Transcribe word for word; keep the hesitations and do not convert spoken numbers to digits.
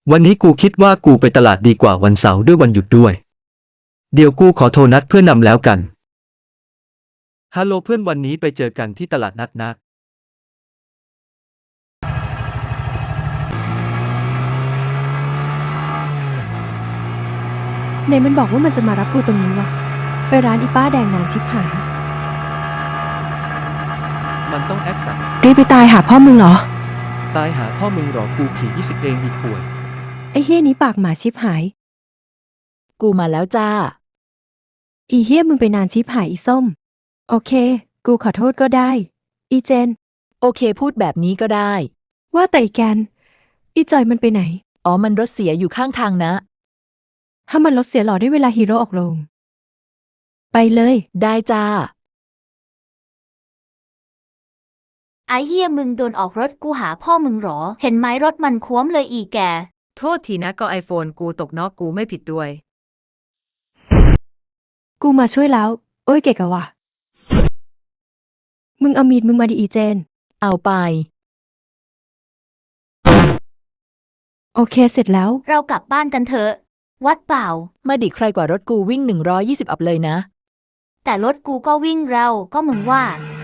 วันนี้กูคิดว่ากูไปตลาดดีกว่าวันเสาร์ด้วยวันหยุดด้วยเดี๋ยวกูขอโทรนัดเพื่อนนำแล้วกันฮัลโหลเพื่อนวันนี้ไปเจอกันที่ตลาดนัดนะไหนมันบอกว่ามันจะมารับกูตรงนี้วะไปร้านอีป้าแดงนานชิบหายมันต้องแอคสั่งรีบไปตายหาพ่อมึงเหรอตายหาพ่อมึงหรอกูขี่ยี่สิบเองอีกขวดไอ้เฮี้ยนี้ปากหมาชิบหายกูมาแล้วจ้าอีเฮี้ยมึงไปนานชิบหายอีส้มโอเคกูขอโทษก็ได้อีเจนโอเคพูดแบบนี้ก็ได้ว่าแต่อีแกนอีจอยมันไปไหนอ๋อมันรถเสียอยู่ข้างทางนะถ้ามันรถเสียหล่อได้เวลาฮีโร่ออกโรงไปเลยได้จ้าไอ้เหี้ยมึงโดนออกรถกูหาพ่อมึงหรอ เห็นไหมรถมันคว้มเลยอีแกโทษทีนะก็ไอโฟนกูตกเนอกกูไม่ผิดด้วยกูมาช่วยแล้วโอ้ยเก๋กะว่ะมึงเอามีดมึงมาดิอีเจนเอาไปโอเคเสร็จแล้วเรากลับบ้านกันเถอะ วัดเปล่ามาดิใครกว่ารถกูวิ่งหนึ่งร้อยยี่สิบอัพเลยนะแต่รถกูก็วิ่งเร็วก็มึงว่า